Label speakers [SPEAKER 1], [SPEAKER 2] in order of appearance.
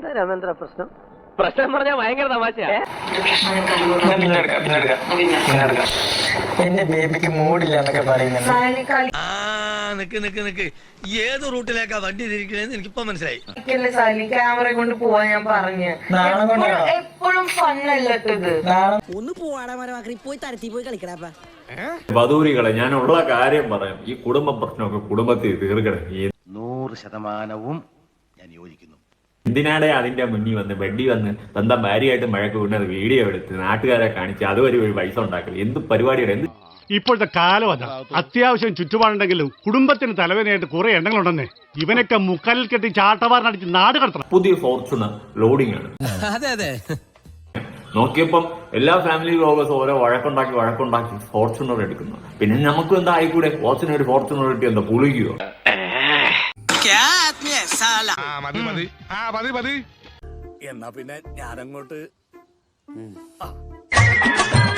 [SPEAKER 1] എന്താ രാമേന്ദ്ര പ്രശ്നം?
[SPEAKER 2] പ്രശ്നം പറഞ്ഞാൽ ഭയങ്കര തമാശയാ.
[SPEAKER 3] എന്റെ ബേബിക്ക് മൂടില്ല എന്നൊക്കെ പറയുന്നുണ്ട്.
[SPEAKER 4] ഏത് റൂട്ടിലേക്കാ വണ്ടി തിരിക്കണേന്ന് എനിക്കിപ്പോ മനസ്സിലായി.
[SPEAKER 3] ക്യാമറ കൊണ്ട് പോവാൻ ഞാൻ പറഞ്ഞു. എപ്പോഴും ഫണ്ണല്ലട്ടത്.
[SPEAKER 5] ഒന്ന് പോവാടാ പോയി തരത്തി പോയി കളിക്കടാ.
[SPEAKER 6] വധൂരികളെ, ഞാൻ ഉള്ള കാര്യം പറയാം. ഈ കുടുംബ പ്രശ്നമൊക്കെ കുടുംബത്തിൽ തീർക്കണം.
[SPEAKER 4] 100% ഞാൻ യോജിക്കുന്നു.
[SPEAKER 6] എന്തിനാടെ അതിന്റെ മുന്നിൽ വന്ന് ബെഡി വന്ന് സ്വന്തം ഭാര്യയായിട്ട് മഴക്ക് വീണത് വീഡിയോ എടുത്ത് നാട്ടുകാരെ കാണിച്ച് അതുവരെ ഒരു പൈസ ഉണ്ടാക്കല് എന്ത് പരിപാടിയുടെ? എന്ത്
[SPEAKER 7] ഇപ്പോഴത്തെ കാലം അതാ. അത്യാവശ്യം ചുറ്റുപാടുണ്ടെങ്കിലും കുടുംബത്തിന് തലവേദനയായിട്ട് കുറെ എണ്ണങ്ങളുണ്ടെന്നേ. ഇവനൊക്കെ മുക്കാലിൽ കെട്ടി ചാട്ടവാറിനടിച്ച് നാട് കടത്തണം.
[SPEAKER 6] പുതിയ ഫോർച്യൂണർ ലോഡിംഗ് ആണ്. നോക്കിയപ്പം എല്ലാ ഫാമിലി വ്ലോഗേഴ്സും ഓരോ വഴക്കുണ്ടാക്കി ഫോർച്യൂണർ എടുക്കുന്നു. പിന്നെ നമുക്കും എന്താ ആയിക്കൂടെ? ഒരു ഫോർച്യൂണർ കിട്ടി എന്താ പുളിക്കുകയോ?
[SPEAKER 7] എന്നാ പിന്നെ ഞാനങ്ങോട്ട്